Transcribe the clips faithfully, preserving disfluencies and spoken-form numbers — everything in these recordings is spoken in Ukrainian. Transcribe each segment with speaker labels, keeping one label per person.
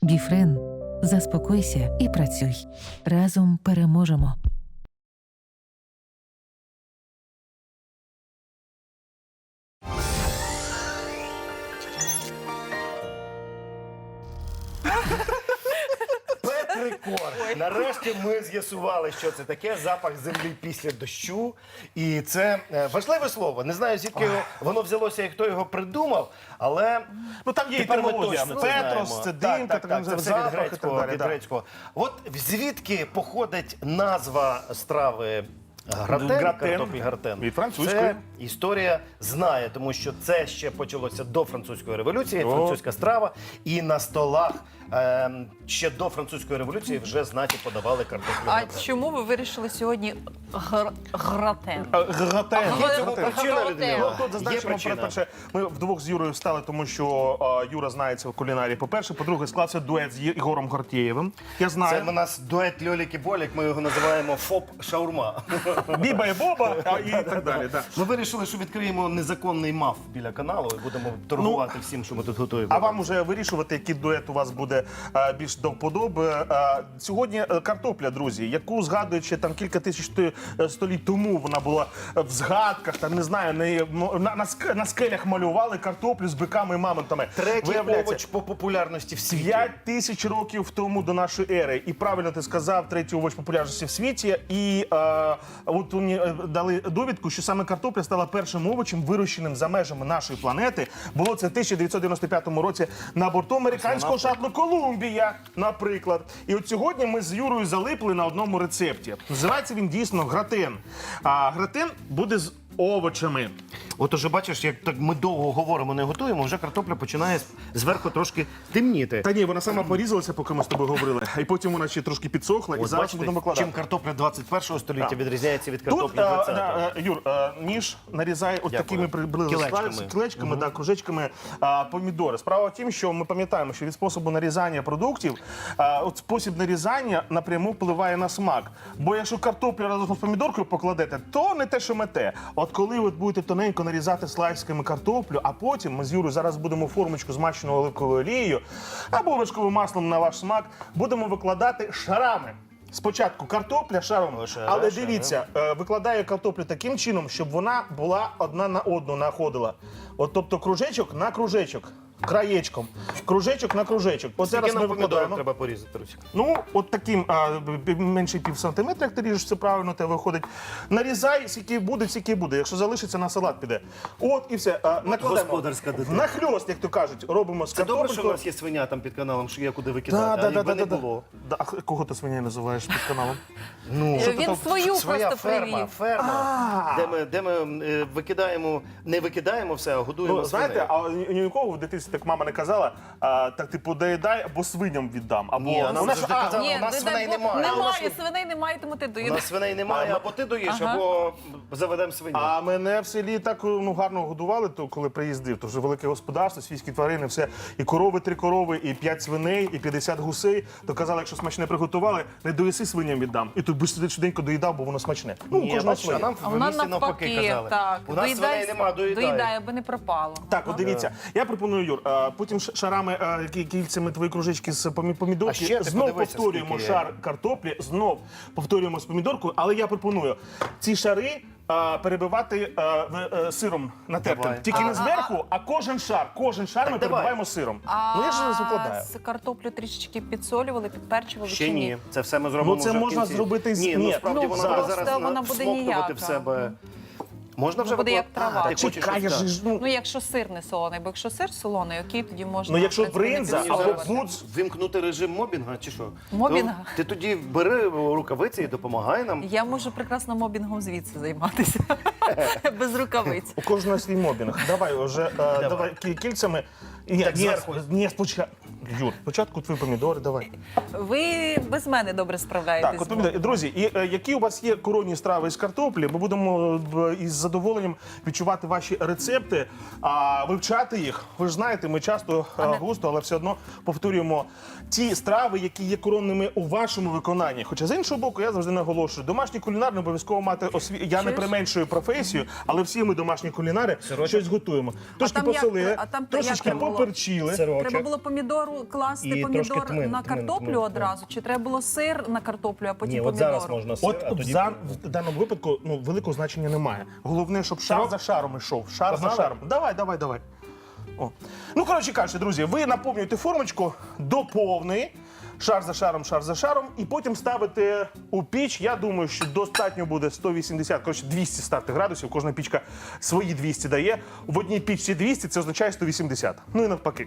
Speaker 1: Біфрен. Заспокойся і працюй. Разом переможемо.
Speaker 2: Рекорд. Нарешті ми з'ясували, що це таке запах землі після дощу. І це е, важливе слово. Не знаю, звідки його, воно взялося і хто його придумав, але
Speaker 3: Ну там є
Speaker 2: тепер ми
Speaker 3: етимологія.
Speaker 2: точно це
Speaker 3: Петрос,
Speaker 2: знаємо.
Speaker 3: це
Speaker 2: Так,
Speaker 3: димка,
Speaker 2: так, так, це все від
Speaker 3: запах і так
Speaker 2: грецького.
Speaker 3: далі.
Speaker 2: Від
Speaker 3: да.
Speaker 2: грецького. От звідки походить назва страви гратен,
Speaker 3: Гратен.
Speaker 2: картоплі гратен?
Speaker 3: Від французької.
Speaker 2: Це історія знає, тому що це ще почалося до французької революції,
Speaker 3: О.
Speaker 2: французька страва, і на столах ем, ще до французької революції вже знаті подавали картоплю
Speaker 4: А
Speaker 2: гратен.
Speaker 4: чому ви вирішили сьогодні гр... гратен?
Speaker 3: А, Гратен.
Speaker 4: Є
Speaker 2: цього
Speaker 4: Гратен.
Speaker 2: причина, Людмила?
Speaker 3: Ну, тут
Speaker 2: Є
Speaker 3: зазначимо,
Speaker 2: причина.
Speaker 3: перше, ми вдвох з Юрою стали, тому що а, Юра знається в кулінарії. По-перше, по-друге, склався дует з Ігорем Гортєєвим. Я знаю.
Speaker 2: Це у нас дует Льолік і Болік, ми його називаємо ФОП-шаурма.
Speaker 3: Біба і Боба а, і так далі. Да.
Speaker 2: Ми вирішили, що відкриємо незаконний маф біля каналу і будемо торгувати всім, що ми тут готуємо.
Speaker 3: А вам уже вирішувати, який дует у вас буде а, більш до вподоби. А, сьогодні е, картопля, друзі, яку згадуючи там кілька тисяч сто- е, століть тому, вона була в згадках, там не знаю, на, на, на, ск- на скелях малювали картоплю з биками і мамонтами.
Speaker 2: Третій
Speaker 3: Виявляється,
Speaker 2: овоч по популярності в світі.
Speaker 3: П'ять тисяч років тому до нашої ери. І правильно ти сказав, третій овоч популярності в світі. І е, от мені е, дали довідку, що саме картопля стала першим овочем, вирощеним за межами нашої планети. Було це в тисяча дев'ятсот дев'яносто п'ятому році на борту американського шатлу «Колумбія», наприклад. І от сьогодні ми з Юрою залипли на одному рецепті. Називається він дійсно гратен. А гратен буде з овочами.
Speaker 2: От уже бачиш, як так ми довго говоримо, не готуємо, вже картопля починає з- зверху трошки темніти.
Speaker 3: Та ні, вона сама порізалася, поки ми з тобою говорили. І потім вона ще трошки підсохла, і
Speaker 2: От
Speaker 3: зараз
Speaker 2: бачите,
Speaker 3: будемо викладати.
Speaker 2: чим картопля двадцять першого століття
Speaker 3: Так.
Speaker 2: відрізняється від
Speaker 3: Тут,
Speaker 2: картоплі
Speaker 3: е,
Speaker 2: двадцятого.
Speaker 3: да, е, Юр, е, ніж нарізає от
Speaker 2: Дякую.
Speaker 3: такими приблизно
Speaker 2: Кілечками.
Speaker 3: кілечками, да, кружечками а, помідори. Справа в тім, що ми пам'ятаємо, що від способу нарізання продуктів, а, от спосіб нарізання напряму впливає на смак. Бо якщо картоплю разом з помідоркою покладете, то не те, що мете. От коли ви будете тоненько нарізати слайсками картоплю, а потім ми з Юрою зараз будемо формочку змащену оливковою олією або вершковим маслом на ваш смак, будемо викладати шарами. Спочатку картопля шаром,
Speaker 2: Лише
Speaker 3: але
Speaker 2: шари.
Speaker 3: дивіться, е, викладаю картоплю таким чином, щоб вона була одна на одну находила. От, тобто кружечок на кружечок, краєчком, кружечок на кружечок. От
Speaker 2: Скільки
Speaker 3: зараз ми
Speaker 2: нам помідорок
Speaker 3: викладаємо.
Speaker 2: треба порізати, Русик?
Speaker 3: Ну, от таким а, б- менше пів сантиметра, як ти ріжеш, це правильно те виходить. Нарізай, скільки буде, скільки буде. Якщо залишиться, на салат піде. От і все. А, накладаємо.
Speaker 2: господарська дитина.
Speaker 3: Нахльост, як то кажуть, робимо з
Speaker 2: Це добре, що в
Speaker 3: картопелькою.
Speaker 2: нас є свиня там під каналом, що є куди
Speaker 3: Да,
Speaker 2: викидати,
Speaker 3: да,
Speaker 2: а
Speaker 3: да,
Speaker 2: якби
Speaker 3: да,
Speaker 2: не
Speaker 3: да,
Speaker 2: було.
Speaker 3: да. А кого ти свиня називаєш під каналом?
Speaker 2: Ну,
Speaker 4: Він
Speaker 2: що то
Speaker 4: свою
Speaker 2: своя
Speaker 4: просто
Speaker 2: ферма,
Speaker 4: привів.
Speaker 2: ферма, де ми, де ми е, викидаємо, не викидаємо все, а годуємо
Speaker 3: Ну, знаєте,
Speaker 2: свиней.
Speaker 3: а ні, ні у кого в дитинстві так мама не казала, а, так типу доїдай або свиням віддам. Або
Speaker 2: Ні, а нам
Speaker 3: вона ж-
Speaker 2: завжди
Speaker 3: а,
Speaker 2: казали,
Speaker 4: Ні,
Speaker 2: у нас
Speaker 4: не
Speaker 2: свиней
Speaker 4: дай Бог,
Speaker 2: немає.
Speaker 4: Немає, свиней немає, тому ти
Speaker 2: У
Speaker 4: доїдеш.
Speaker 2: нас свиней немає, або ти доїш,
Speaker 4: Ага.
Speaker 2: або заведемо свиню.
Speaker 3: А мене в селі так ну, гарно годували, то, коли приїздив. То вже велике господарство, свійські тварини, все. І корови, три корови, і п'ять свиней, і п'ятдесят гусей. То казали, якщо смачне приготували, не доїси свиням віддам. І тут би швиденько доїдав, бо воно смачне. Ну, у
Speaker 2: Ні,
Speaker 3: кожного
Speaker 2: бачиш, а
Speaker 3: своє.
Speaker 2: нам
Speaker 4: А
Speaker 2: в
Speaker 4: вона
Speaker 2: місті навпаки
Speaker 4: навпаки,
Speaker 2: казали.
Speaker 4: так.
Speaker 2: У нас свиней нема, доїдай.
Speaker 4: доїдай, аби не пропало.
Speaker 3: Так, от дивіться, я пропоную, Юр, а, потім ш- шарами, а, кі- кільцями твої кружечки з помі-
Speaker 2: А
Speaker 3: помідорки,
Speaker 2: ще ти
Speaker 3: знов
Speaker 2: подивися,
Speaker 3: повторюємо
Speaker 2: скільки є.
Speaker 3: шар картоплі, знов повторюємо з помідоркою, але я пропоную ці шари а, перебивати а, в- е, сиром натертим.
Speaker 2: Давай.
Speaker 3: Тільки
Speaker 4: А,
Speaker 3: не
Speaker 4: а,
Speaker 3: зверху, а кожен шар, кожен шар ми
Speaker 2: давай.
Speaker 3: перебиваємо сиром.
Speaker 4: А
Speaker 3: Ну я ж зараз викладаю.
Speaker 4: з картоплю трішечки підсолювали, підперчували
Speaker 2: Ще
Speaker 4: чи
Speaker 2: ні. Це все ми зробимо
Speaker 3: Ну, це
Speaker 2: вже в
Speaker 3: можна
Speaker 2: кінці.
Speaker 3: зробити з-
Speaker 2: Ні, ну
Speaker 3: ні.
Speaker 2: справді
Speaker 4: Ну,
Speaker 2: вона
Speaker 4: просто
Speaker 2: буде зараз
Speaker 4: вона
Speaker 2: на-
Speaker 4: буде
Speaker 2: всмоктувати
Speaker 4: ніяка.
Speaker 2: в себе. Можна вже
Speaker 4: Буде як
Speaker 2: викладати?
Speaker 4: трава.
Speaker 2: А, ти хочеш
Speaker 3: Чекай, я
Speaker 2: ось так?
Speaker 3: ж, ну,
Speaker 4: Ну, якщо сир не солоний, бо якщо сир солоний, окей, тоді можна.
Speaker 3: Ну, якщо
Speaker 4: в принципі, не
Speaker 3: бринза або
Speaker 4: підсолювати.
Speaker 3: будз,
Speaker 2: Вимкнути режим мобінга чи що?
Speaker 4: Мобінга?
Speaker 2: То ти тоді бери рукавиці і допомагай нам.
Speaker 4: Я можу прекрасно мобінгом звідси займатися. Без рукавиць.
Speaker 3: у кожного свій мобінг. Давай вже, е, давай кі- кільцями. Ні,
Speaker 2: Так,
Speaker 3: ні,
Speaker 2: зверху.
Speaker 3: ні, спочатку. Юр, спочатку твої помідори, давай.
Speaker 4: Ви без мене добре справляєтесь.
Speaker 3: Так, от помідори. Друзі, і, е, які у вас є коронні страви із картоплі, ми будемо е, із задоволенням відчувати ваші рецепти, а вивчати їх. Ви ж знаєте, ми часто е, густо, але все одно повторюємо ті страви, які є коронними у вашому виконанні. Хоча з іншого боку, я завжди наголошую, домашній кулінар не обов'язково мати осві... Я не
Speaker 4: Чуєш?
Speaker 3: применшую професію, але всі ми домашні кулінари
Speaker 2: Сирочок?
Speaker 3: щось готуємо. Трошки
Speaker 4: там як-
Speaker 3: посолили,
Speaker 4: а там
Speaker 3: трошечки
Speaker 4: як було?
Speaker 3: поперчили.
Speaker 4: Треба було помідору було класти
Speaker 2: І
Speaker 4: помідор
Speaker 2: трошки тмин,
Speaker 4: на
Speaker 2: тмин,
Speaker 4: картоплю
Speaker 2: тмин,
Speaker 4: одразу? Чи треба було сир на картоплю, а потім
Speaker 2: Ні, от
Speaker 4: помідор?
Speaker 2: зараз можна сир,
Speaker 3: От
Speaker 2: а
Speaker 3: в,
Speaker 2: тоді...
Speaker 3: за- в даному випадку ну, великого значення немає. Головне, щоб шар за шаром йшов. Шар
Speaker 2: Погнали?
Speaker 3: за шаром. Давай, давай, давай. О. Ну, коротше кажучи, друзі, ви наповнюєте формочку до повної, шар за шаром, шар за шаром, і потім ставите у піч. Я думаю, що достатньо буде сто вісімдесят, коротше, двісті ставте градусів. Кожна пічка свої двісті дає. В одній пічці двісті, це означає сто вісімдесят. Ну і навпаки.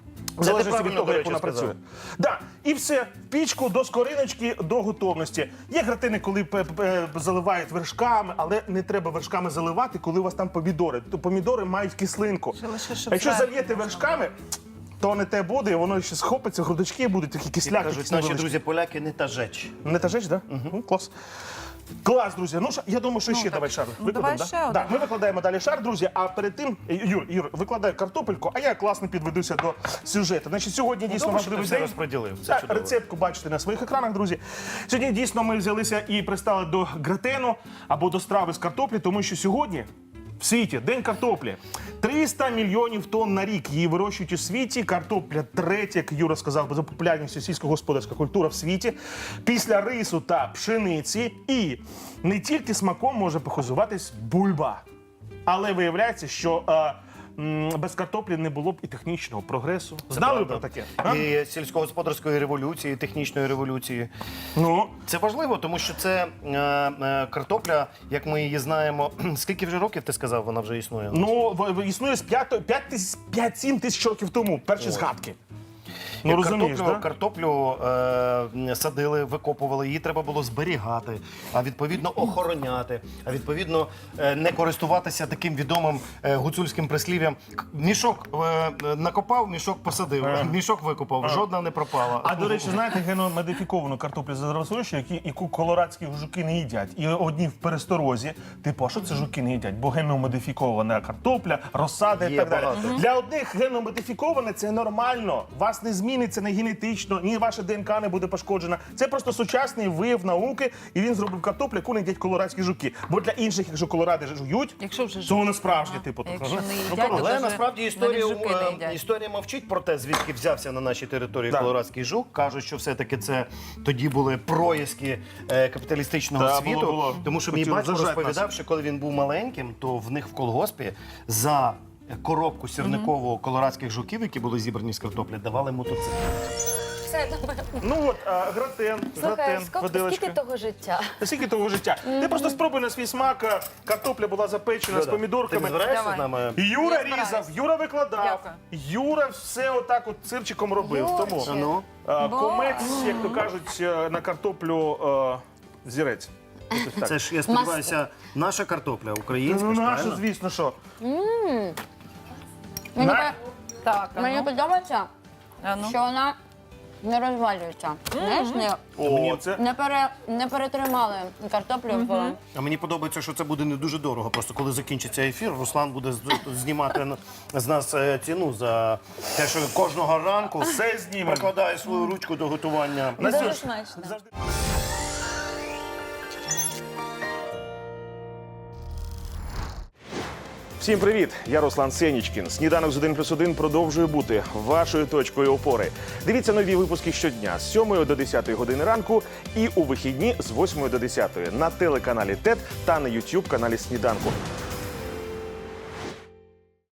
Speaker 3: В
Speaker 2: ти
Speaker 3: залежності від
Speaker 2: правильно,
Speaker 3: того,
Speaker 2: до
Speaker 3: як
Speaker 2: речі,
Speaker 3: вона
Speaker 2: сказав.
Speaker 3: працює. Да. І все, в пічку до скориночки, до готовності. Є гратини, коли пе- пе- заливають вершками, але не треба вершками заливати, коли у вас там помідори. То помідори мають кислинку.
Speaker 4: Ще лише, щоб
Speaker 3: А якщо
Speaker 4: зверху
Speaker 3: зальєте
Speaker 4: можна
Speaker 3: вершками, то не те буде, і воно ще схопиться, грудочки будуть такі кисляки.
Speaker 2: Кажуть,
Speaker 3: якісь
Speaker 2: наші
Speaker 3: невеличкі.
Speaker 2: друзі поляки не та жеч.
Speaker 3: Не та жесть, да? Ну, клас. Клас, друзі. Ну, що, я думаю, що ще
Speaker 4: так.
Speaker 3: давай шар.
Speaker 4: Ну,
Speaker 3: Викладемо,
Speaker 4: давай
Speaker 3: да?
Speaker 4: ще один.
Speaker 3: Да, ми викладаємо далі шар, друзі, а перед тим, Юр, Юр, викладай картопельку, а я класно підведуся до сюжету. Значить, сьогодні дійсно
Speaker 2: добре, що ти
Speaker 3: важливий
Speaker 2: все
Speaker 3: день.
Speaker 2: розподілив, це
Speaker 3: Так,
Speaker 2: чудово.
Speaker 3: рецептку бачите на своїх екранах, друзі. Сьогодні дійсно ми взялися і пристали до гратену або до страви з картоплі, тому що сьогодні в світі День картоплі. триста мільйонів тонн на рік її вирощують у світі. Картопля третя, як Юра сказав, за популярністю сільськогосподарська культура в світі. Після рису та пшениці. І не тільки смаком може похизуватись бульба. Але виявляється, що е, м, без картоплі не було б і технічного прогресу. Знали ви про таке? А?
Speaker 2: І сільськогосподарської революції, і технічної революції.
Speaker 3: Ну,
Speaker 2: Це важливо, тому що це е, е, картопля, як ми її знаємо. Скільки вже років ти сказав, вона вже існує?
Speaker 3: ну в- в- існує з п'ять-сім тисяч років тому, перші згадки. Ну,
Speaker 2: Як
Speaker 3: розумієш,
Speaker 2: картоплю,
Speaker 3: да?
Speaker 2: картоплю е, садили, викопували, її треба було зберігати, а відповідно охороняти, а відповідно е, не користуватися таким відомим е, гуцульським прислів'ям. К- Мішок е, накопав, мішок посадив, мішок викопав, жодна не пропала.
Speaker 3: А до речі, знаєте, геномодифіковану картоплю з розрощу, які яку колорадські жуки не їдять. І одні в пересторозі, типу, а що це жуки не їдять? Бо геномодифікована картопля, розсада і
Speaker 2: Є
Speaker 3: так далі.
Speaker 2: багато.
Speaker 3: Для одних геномодифіковане це нормально. Вас не зміниться не генетично, ні ваша ДНК не буде пошкоджена. Це просто сучасний вияв науки, і він зробив картоплю, яку не їдять колорадські жуки. Бо для інших, якщо колоради жують,
Speaker 4: Якщо вже
Speaker 3: то
Speaker 4: жують.
Speaker 3: воно справжнє,
Speaker 4: Ага.
Speaker 3: типу.
Speaker 4: А
Speaker 3: так,
Speaker 4: якщо
Speaker 3: ну,
Speaker 4: не
Speaker 3: ну,
Speaker 4: їдять,
Speaker 3: коротше.
Speaker 4: то
Speaker 2: Але
Speaker 4: даже
Speaker 2: насправді історія,
Speaker 4: навіть жуки не
Speaker 2: е,
Speaker 4: їдять.
Speaker 2: історія мовчить про те, звідки взявся на нашій території
Speaker 3: Так.
Speaker 2: колорадський жук. Кажуть, що все-таки це тоді були проїзки е, капіталістичного
Speaker 3: Так,
Speaker 2: світу.
Speaker 3: було, було.
Speaker 2: Тому що мій
Speaker 3: Хотіли
Speaker 2: батько
Speaker 3: зажати
Speaker 2: розповідав,
Speaker 3: нас.
Speaker 2: що коли він був маленьким, то в них в колгоспі за коробку сірникового колорадських жуків, які були зібрані з картоплі, давали мотоцикл.
Speaker 5: Все, добре.
Speaker 3: Ну от, а, гратен,
Speaker 5: Слухай,
Speaker 3: гратен,
Speaker 5: скільки,
Speaker 3: виделочка.
Speaker 5: скільки того життя?
Speaker 3: Скільки того життя? Ти просто спробуй на свій смак. а, Картопля була запечена з
Speaker 2: Ти
Speaker 3: помідорками.
Speaker 2: не збираєшся
Speaker 4: Давай.
Speaker 2: з нами?
Speaker 3: Юра
Speaker 4: Я збираюсь.
Speaker 3: різав, Юра викладав.
Speaker 4: Дякую.
Speaker 3: Юра все отак от цирчиком робив. Тому
Speaker 5: Юрчик.
Speaker 2: Ну,
Speaker 3: а,
Speaker 4: Бо-
Speaker 3: комець, як то кажуть, е, на картоплю е, зірець. Якось так.
Speaker 2: це ж, я сподіваюся, наша картопля, українська,
Speaker 3: Ну,
Speaker 2: ж,
Speaker 3: наша,
Speaker 2: правильно?
Speaker 3: звісно, що.
Speaker 5: Мені,
Speaker 3: На-
Speaker 5: пе-
Speaker 4: Так, а
Speaker 5: мені
Speaker 4: ну.
Speaker 5: подобається,
Speaker 4: А ну.
Speaker 5: що вона не розвалюється. Знаєш, не,
Speaker 3: О, це...
Speaker 5: не, пере, не перетримали картоплю в...
Speaker 2: А мені подобається, що це буде не дуже дорого. Просто коли закінчиться ефір, Руслан буде з- знімати на- з нас е, ціну за те, що кожного ранку
Speaker 3: Все знімемо.
Speaker 2: прикладає свою ручку до готування.
Speaker 5: Дуже
Speaker 3: Настюш,
Speaker 5: смачно.
Speaker 3: завжди- Всім привіт! Я Руслан Сенічкін. Сніданок з один плюс один продовжує бути вашою точкою опори. Дивіться нові випуски щодня з сьомої до десятої години ранку і у вихідні з восьмої до десятої на телеканалі ТЕТ та на ютуб каналі Сніданку.